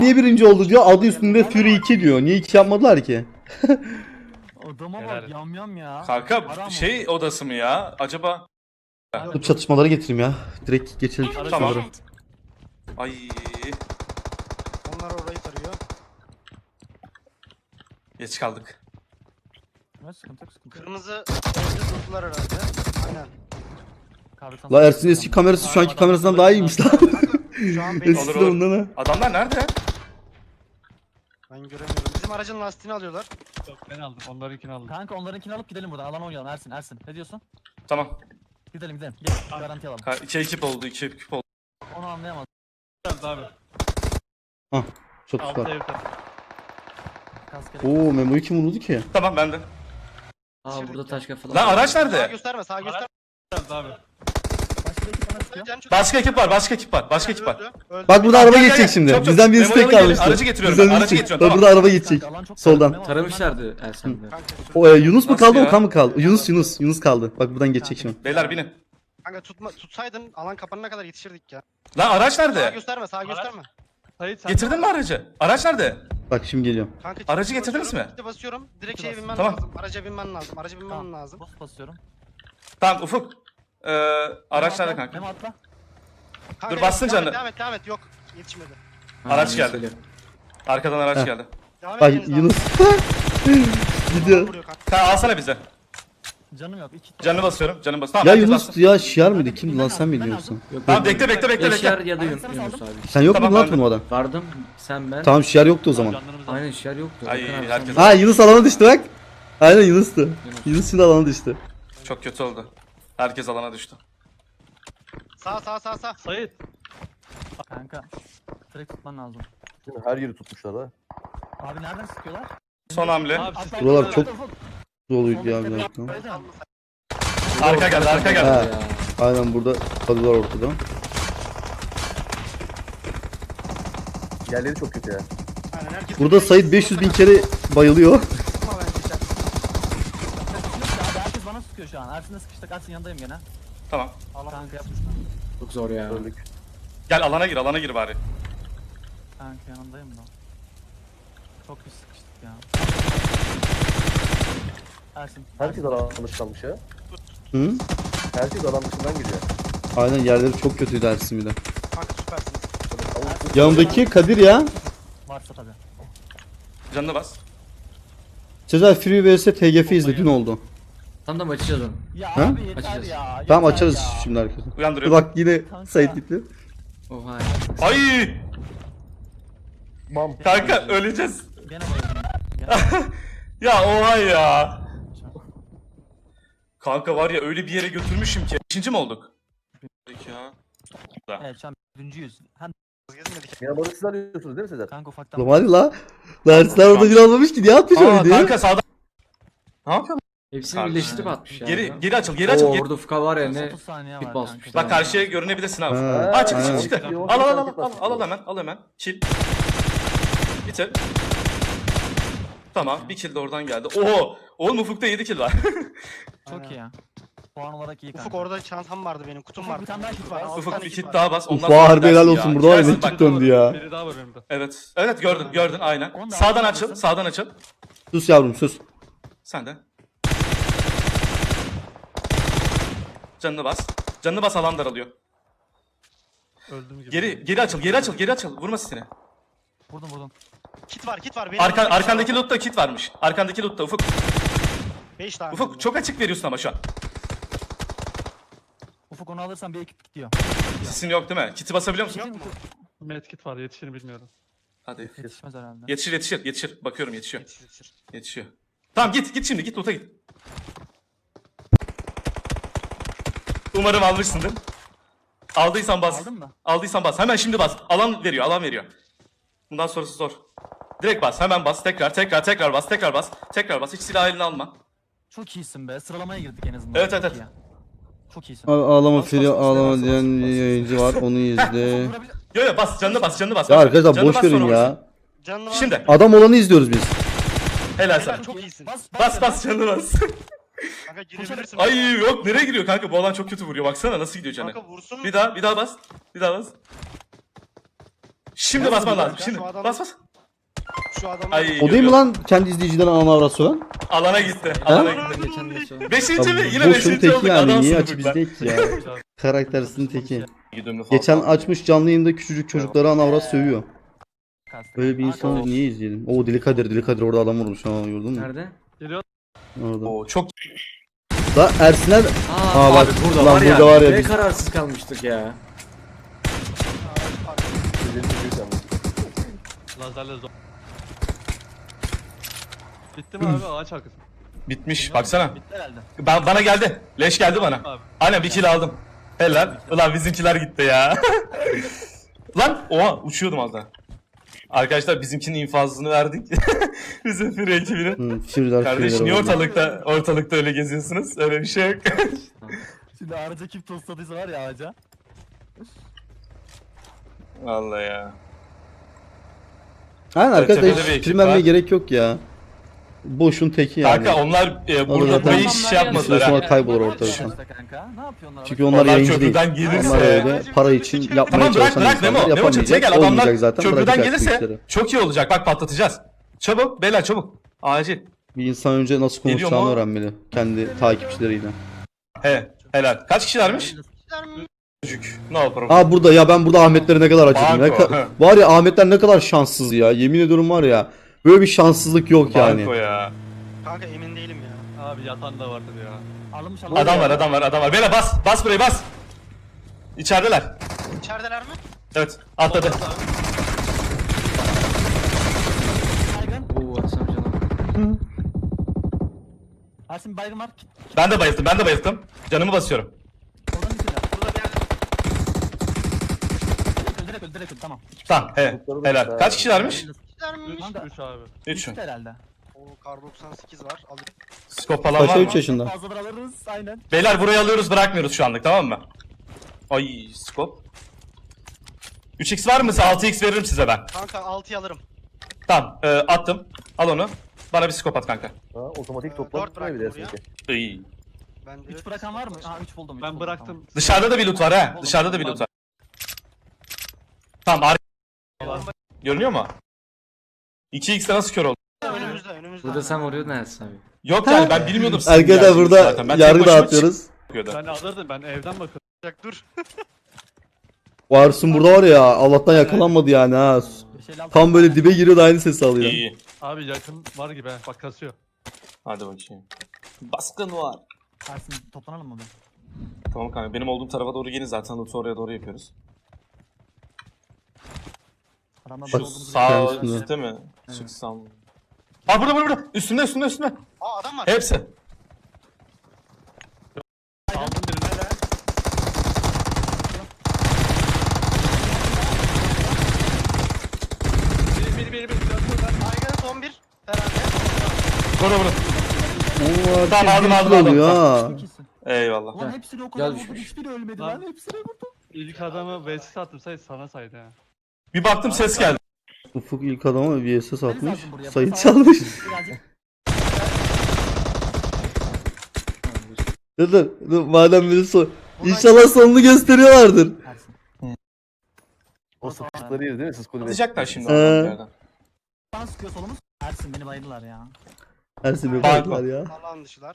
Niye birinci oldu diyor. Adı üstünde Fury 2 diyor. Niye 2 yapmadılar ki? Adama bak yam ya. Kanka şey odası mı ya? Acaba... Dur çatışmalara getireyim ya. Direkt geçelim Tamam. çatışmalara. Ay. Onlar orayı tarıyor. Geç kaldık. Ne sıkıntı yok sıkıntı yok. Kırmızı evde durdular herhalde. Aynen. Kahve La Ersin eski kamerası şu anki kamerasından daha iyiymiş lan. Şu an benim Eski olur. ondan ha. Adamlar nerede? ben göremiyorum. Bizim aracın lastiğini alıyorlar. Yok ben aldım. Onlarınkini aldım. Kanka onlarınkini alıp gidelim buradan. Alan oynayalım Ersin. Ne diyorsun? Tamam. Gidelim. Gel garanti alalım. İki ekip oldu, iki ekip oldu. Onu anlayamadım. Geldi abi. Çok Altta süper. evde. Kask Oo Memo'yu kim vurdu ki? Tamam bende. Aa burada taş kafalar. Lan araç Sağa nerede? gösterme, sağa gösterme. Geldi abi. Başka bir ekip bana sıkıyor. Can çok- Başka ekip var, başka ekip var, başka ekip var. Öldü, öldü. Bak burada araba Gel, gel, geçecek gel. şimdi. Çok, çok. Bizden birisi Memo'ya tek gelin, kalmıştı. aracı getiriyorum Bizden ben, birisi aracı tek- getiriyorum, Bak tamam. burada araba geçecek. Kanka, alan çok Soldan. Memo, Taramışlardı Ersen'de. Kanka, O Yunus mu Nasıl kaldı ya? Okan mı kaldı? Yunus kaldı. Bak buradan geçecek şimdi. Beyler binin. kanka tutsaydın alan kapanana kadar yetişirdik ya. Lan araç Sağa nerede? gösterme, sağa gösterme. Sait sen Getirdin mi aracı? Araç nerede? Bak şimdi geliyorum. Kanka, Aracı çift getirdiniz basıyorum, mi? çifte basıyorum. Direkt şeye binmen Tamam. lazım. Araca binmen lazım. Araca binmen Tamam. lazım. Boost basıyorum. Tamam Ufuk. Araç Memo nerede atla, kanka? Memo atla. Kanka, Dur, bastın devam et, canını. Devam et. Yok. Yetişmedi. Araç geldi. Arkadan araç Heh. geldi. Devam Bak ediniz Yunus. Adam Gidiyor. vuruyor kanka. Kanka alsana bize. Canım yok. Canını basıyorum, canını bas. Tamam, Ya herkes Yunus bassın. ya şiar mıydı? Kimdi lan sen mi diyorsun? Yok, Tamam yok. bekle. Yaşar ya da Yunus Yunus abi. Sen yok Tamam, muydun lan ben de. turnuvada? Vardım sen ben. Tamam şiar yoktu o zaman. canlarımızı Aynen Yaşar yoktu. Ay, Bakın abi, herkes- sen- Ha Yunus alana düştü bak. Aynen Yunus'tu. Yunus şimdi alana düştü. Çok kötü oldu. Herkes alana düştü. Sağ. Sait. Kanka. Direkt tutman lazım. Her yeri tutmuşlar ha. Abi nereden sıkıyorlar? Son hamle. Abi siz Atla, Buralar atla, çok- atla, atla. Doluydu ya bir Soldaki dakika. tepe- Arka geldi, arka geldi. Ha. Ya. Aynen burada kalıyorlar ortada. Yerleri çok kötü ya. Aynen, herkes Burada Sait 500 bin kere bayılıyor. Ama ben geçer. Abi herkes bana sıkıyor şu an. Ersin'le sıkıştık. Ersin yanındayım gene. Tamam. Kanka yapmışlar. Çok zor ya. Öldük. Gel alana gir bari. Kanka yanındayım da. Çok iyi sıkıştık ya. Ersin. Herkes alan dışı kalmış ya. Hı? Herkes alan dışından geliyor. Aynen yerleri çok kötüydü Ersin bir de. Kanka süpersiniz. Yanımdaki Kadir ya. Varsa tabii. Canını bas. Sezer Free vs TGF izle dün oldu. Tam da açacağız onu. Ya Ha? abi yeter Açacağız. ya. Tamam yeter açarız ya. şimdi herkese. Dur Uyandırıyorum. bak yine Kanka. Sait gitti. Oha. Ay! Bam. Kanka öleceğiz. Gene bayıldım. Ya oha ya. Kanka var ya öyle bir yere götürmüşüm ki. İkinci mi olduk? Ya. Evet şu an birinciyiz. Hem Gezmedik. Ya balık siz arıyorsunuz değil mi Sezer? kanka ufaktan. Ulan hadi la. La Ersin orada bir almamış ki niye atmış o Aa videoyu? kanka sağda. Ne yapıyorsun? Hepsini Kanka. birleştirip atmış ya. Geri açıl, geri açıl. Oo, Geri. orada Ufka var ya ne. 30 saniye Bit var basmış. kanka. Bak karşıya görünebilirsin abi. Ha, Aa çıktı aynen. çıktı. Al hemen, al hemen. Kill. Bitir. Tamam, bir kill de oradan geldi. Oho! Oğlum Ufuk'ta 7 kill var. Çok iyi ya. Puan olarak iyi kanka. Ufuk orada çantam vardı benim, kutum Ufuk, vardı. bir tane daha kit var. Altı Ufuk tane bir kit kill var. daha bas. Ondan Uf sonra harbi helal gidersin olsun ya. burada var ya Gidersin ne bak. çıktı döndü ya. Biri daha var önümde. Evet. Evet gördün aynen. Onu da Sağdan alabilirsin. açıl, sağdan açıl. Sus yavrum sus. Sen de. Canını bas. Canını bas alan daralıyor. Öldüm gibi. Geri açıl. Vurma sesini. Vurdum. Kit var. Benim Arkandaki lootta kit varmış. Arkandaki lootta Ufuk. 5 tane. Ufuk çok açık veriyorsun ama şu an. Ufuk onu alırsan bir ekip gidiyor. Sesin yok değil mi? Kiti basabiliyor musun? Yok mu? Medkit var yetişir bilmiyorum. Hadi. Yetişmez herhalde. Yetişir. Bakıyorum yetişiyor. Yetişir. Yetişiyor. Tamam git şimdi git loot'a git. Umarım almışsındır. Aldıysan bas. Aldın mı? Aldıysan bas. Hemen şimdi bas. Alan veriyor. Bundan sonrası zor. Direkt bas. Hemen bas. Tekrar bas. Tekrar bas. Hiç silah eline alma. Çok iyisin be. Sıralamaya girdik en azından. Evet, Çok evet. iyi ya. Çok iyisin. Ağlama Bas, Free bas, bas, ağlama bas, diyen bas, bas. yayıncı var onu izle. Yo bas. Canını bas. Ya arkadaşlar Canını boş bas, verin sonra ya. vurursun. Canlı var. Şimdi. Adam olanı izliyoruz biz. Helal Helal, sana. çok iyisin. Bas canını bas. Kanka girebilirsin. Ay yok nereye giriyor kanka? Bu alan çok kötü vuruyor. Baksana nasıl gidiyor canı. Kanka vursun. Bir daha bas. Şimdi basman lazım. Ya Şimdi şu adam- bas bas. Şu adamı Ay, O değil mi görüyorum. lan kendi izleyiciden ana avrat söven? Alana gitti. Alana gitti. Geçen de sonra. Beşinci mi? Yine Boşun beşinci teki olduk. yani. Niye Adamsın açık bu bizde ki ya? Karaktersizin teki. Geçen Geçen açmış canlı yayında küçücük çocuklara ana avrat sövüyor. Kastı. Böyle bir insanı niye izleyelim? Oo Deli Kadir orada adam vurmuş ha gördün mü? Nerede? Geliyor. Orada. Oo çok Da Ersin'e Aa, bak, abi burada lan var ya. burada var ya Ne biz- kararsız kalmıştık ya. Ellerini büyük yalnız. Lazerle zor. Bitti mi abi ağaç arkası? bitmiş. Baksana. Bitti herhalde. Bana geldi. Leş geldi bana. Abi. Aynen bir kill aldım. Helal. Ulan bizimkiler gitti ya. Lan oha uçuyordum az daha. Arkadaşlar bizimkinin infazını verdik. Bizim Fury ekibinin. Führer Kardeş niye orada. ortalıkta öyle geziyorsunuz? Öyle bir şey yok. Şimdi ağaca kim tostladıysa var ya ağaca. Vallahi ya. Aynen Tepede bir arkadaşlar ekip film vermeye var. gerek yok ya. Boşun teki yani. Kanka onlar burada zaten- burayı hiç şey yapmadılar Bir süre ha. sonra kaybolur ortalıktan. İşte kanka. Ne yapıyorlar? Çünkü onlar Onlar yayıncı değil. köprüden gelirse- Onlar öyle para için yapmaya Tamam bırak çalışan bırak Memo. insanlar Memo çatıya yapamayacak. gel. Adamlar Olmayacak zaten köprüden bırakacak bu gelirse işleri. çok iyi olacak. Bak patlatacağız. Çabuk beyler çabuk. Acil. Bir insan önce nasıl Geliyor konuşacağını mu? öğrenmeli. Kendi takipçileriyle. He helal. Kaç kişilermiş? Çocuk. No problem. Aa burada ya ben burada Ahmetleri ne kadar acıdım. Banko, he. Var ya Ahmetler ne kadar şanssız ya. Yemin ediyorum var ya. Böyle bir şanssızlık yok yani. Banko ya. Kanka emin değilim ya. Abi yatan da vardır ya. Alınmış Adam var. Beyler bas. Bas burayı bas. İçerideler. İçerideler mi? Evet atladı. Baygın. Oo atsam canım. Ersin baygın var. Ben de bayıldım. Canımı basıyorum. Oradan içine. Burada bir yerde. Direkt öl tamam. Tamam helal. Kaç kişilermiş? İçerideler mi? 3 abi. 3. Bitti herhalde. O kar 98 var. Alayım. Skop falan var Paşa mı? 3 yaşında. Fazladan alırız aynen. Beyler burayı alıyoruz bırakmıyoruz şu anlık tamam mı? Ay skop. 3x var mı? 6x veririm size ben. Kanka 6'yı alırım. Tamam attım. Al onu. Bana bir skop at kanka. Ha, otomatik Dört toplam bıraktım tutmayabilirsin buraya. ki. İyi. Ben de 3 bırakan var mı? Ha 3 buldum. üç Ben buldum, bıraktım. Dışarıda da bir loot var ha. Dışarıda da bir loot var. Tamam görünüyor mu? 2x'e nasıl kör oldu? Tamam. Önümüzde. Burada sen vuruyordun Ersin abi. Yok yani ben bilmiyordum sizin Arkadaşlar geldiğinizi burada zaten. Ben tek yargı başıma dağıtıyoruz. çıkıyordu. Ben alırdım ben evden bakıyorum. Dur. Varsın burada var ya Allah'tan yakalanmadı yani ha. Tam böyle dibe giriyordu aynı sesi alıyor. İyi. Abi yakın var gibi he. Bak kasıyor. Hadi bakayım. Baskın var. Ersin toplanalım mı? Tamam kanka benim olduğum tarafa doğru gelin zaten loot'u oraya doğru yapıyoruz. Adamlar Şu böyle olduğumuzu sağ Kendisinde. üstte mi? Çıksam. Aa burada. Üstünde. Aa adam var. Hepsi. Aldım birini. Biri. Baygın son bir. Herhalde. Vurun. Oo, Tamam, aldım. oluyor ha. Çok iyisin. Eyvallah. Ulan hepsini o kadar Gel vurdum. Hiçbiri ölmedi Lan. lan. Hepsini vurdum. İlk adamı VS attım sana saydı ha. Bir baktım ses geldi. Ufuk ilk adama VSS atmış. lazım buraya, Sayı bas- çalmış. Birazcık. Dur madem biri İnşallah sonunu gösteriyorlardır. Ersin. O sıkışıkları yeriz değil mi siz kulübe? Atacaklar şimdi Ee. oradan bir yerden. Bana sıkıyor solumuz. Ersin beni bayıldılar ya. Ersin bir Bak. baklar ya. Alan dışılar.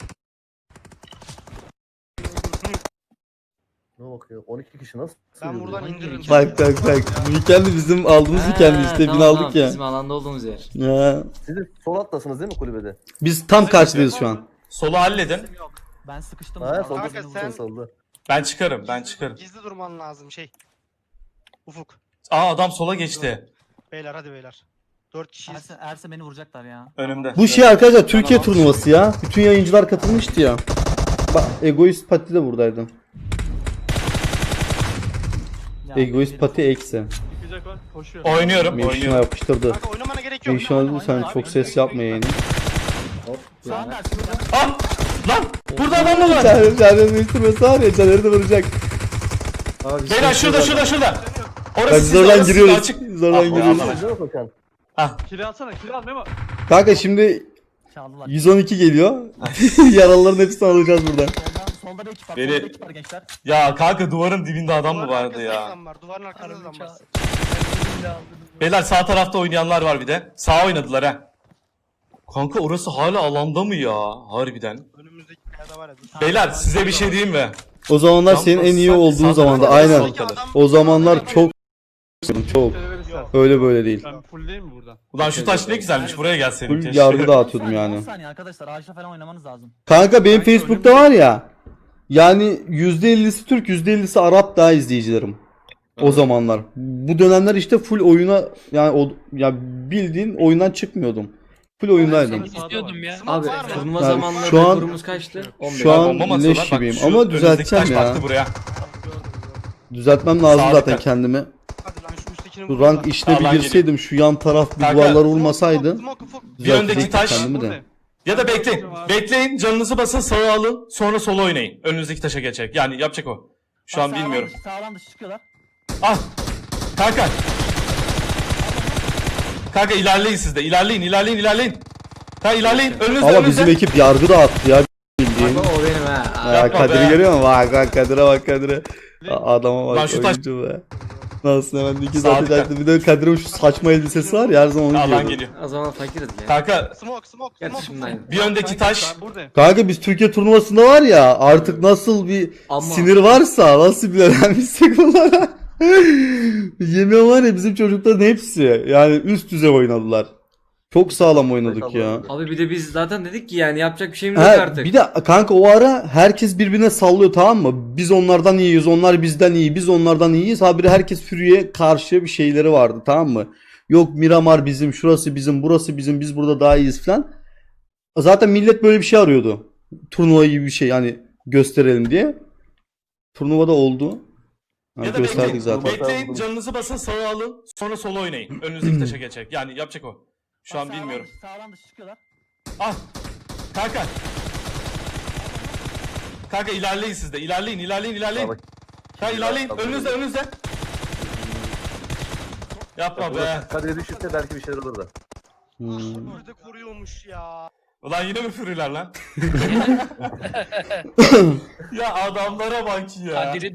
Ne bakıyor? 12 kişi nasıl? Ben sığıyor buradan buraya? indiririm. Bak. Bu weekend bizim aldığımız weekend işte bin aldık ya. Bizim alanda olduğumuz yer. Ya. Siz de sol attasınız değil mi kulübede? Biz tam karşıdayız şu an. Solu halledin. Yok. Ben sıkıştım. Ha burada. solda Kanka sen- solda. Ben çıkarım. Gizli durman lazım şey. Ufuk. Aa adam sola geçti. Beyler hadi beyler. 4 kişiyiz. Ersin beni vuracaklar ya. Önümde. Bu şey arkadaşlar Türkiye turnuvası ya. Bütün yayıncılar katılmıştı ya. Bak Egoist Pati de buradaydı. Ya, Egoist beni- Pati eksi. Yıkacak var koşuyor. Mevşuna yapıştırdı. Kanka oynamana gerek yok. Mevşuna sen çok ses yapma yayını. Şu anda Ersin burada. Ah! Lan! Burada adam mı var? Caner'in değiştirmesi var ya Caner'i de vuracak. Abi Beyler şurada. Bak Orası sizde, zordan orası giriyoruz. sizde, açık. Zordan Ah, giriyoruz. Allah. Değil mi Kokan? Kili alsana kili al Memo. Kanka şimdi Çaldılar. 112 geliyor. Yaralıların hepsini alacağız buradan. Solda bir ekip var. Beni- Solda bir ekip var gençler. Ya kanka duvarın dibinde adam mı Duvarın vardı arkasında ya? adam var. Duvarın arkasında adam var. Beyler sağ tarafta oynayanlar var bir de. Sağ oynadılar ha. Kanka orası hala alanda mı ya? Harbiden. Önümüzdeki kayada var ya. Beyler size bir şey diyeyim mi? O zamanlar Tam senin en iyi sağ- olduğun sağ zamanda tarafta aynen. sol kalır. O zamanlar çok çok öyle böyle değil. Ben full değil mi buradan? Ulan şu taş ne güzelmiş, buraya gelseydin Full keşke. yargı dağıtıyordum yani. 10 saniye arkadaşlar ağaçla falan oynamanız lazım. Kanka benim Facebook'ta var ya. Yani %50'si Türk, %50'si Arap daha izleyicilerim. O zamanlar. Bu dönemler işte full oyuna yani ya bildiğin oyundan çıkmıyordum. Full oyundaydım. İstiyordum ya. Abi var mı? turnuva Yani zamanında şu an- rekorumuz kaçtı? 15. Şu an Bomba mı atıyorlar? leş Bak gibiyim şu ama önümüzdeki düzelteceğim taş ya. baktı buraya. Düzeltmem lazım Sağ zaten dikkat. kendimi. Hadi lan şu üsttekini Bu vur rank lan. işine bir Alan girseydim şu yan taraf bir Kanka, duvarlar olmasaydı Smoke, smoke. Bir öndeki düzeltecektim taş- kendimi de. Ya da bekleyin. Bekleyin, canınızı basın, sağa alın, sonra sola oynayın. Önünüzdeki taşa geçecek. Yani yapacak o. Şu an bilmiyorum. Sağdan dışı çıkıyorlar. Ah! Kanka! Kanka ilerleyin siz de. İlerleyin. Kanka ilerleyin. Önünüzde, Ama önünüzde. bizim ekip yargı dağıttı ya bildiğin. Bak o benim ha. Ya Yapma Kadir'i be. görüyor musun? Bak Kadir'e bak Kadir'e. Adama bak Lan şu taş- oyuncu be. Nasıl hemen iki Sağ zaten bir de Kadir'in şu saçma elbisesi var ya her zaman onu Alan giyiyordu. geliyor. O zaman fakiriz ya. Kanka Smoke, smoke, Gerçi smoke. şimdi aynı. bir öndeki taş. Ben buradayım. Kanka biz Türkiye turnuvasında var ya artık nasıl bir Ama- sinir varsa nasıl bir öğrenmişsek bunlara. Yemin var ya bizim çocukların hepsi yani üst düzey oynadılar. Çok sağlam oynadık ya. Abi bir de biz zaten dedik ki yani yapacak bir şeyimiz yok Ha, artık. bir de kanka o ara herkes birbirine sallıyor tamam mı? Biz onlardan iyiyiz, onlar bizden iyi, biz onlardan iyiyiz. Habire herkes Fury'e karşı bir şeyleri vardı tamam mı? Yok Miramar bizim, şurası bizim, burası bizim, biz burada daha iyiyiz falan. Zaten millet böyle bir şey arıyordu. Turnuva gibi bir şey yani gösterelim diye. Turnuvada oldu. Ha, Ya da gösterdik bekleyin. zaten. Bekleyin, canınızı basın, sağa alın, sonra sola oynayın. Önünüzdeki taşa geçecek. Yani yapacak o. Şu an bilmiyorum. Sağdan dışı çıkıyorlar. Ah! Kanka! Kanka ilerleyin siz de. İlerleyin. Bak, Kanka ilerleyin. Önünüzde. Yapma be. Kadir'e düşürse belki bir şeyler olur da. Hmm. Burada koruyormuş ya. Ulan yine mi fırılar lan? Ya adamlara bak ya. Kadir'i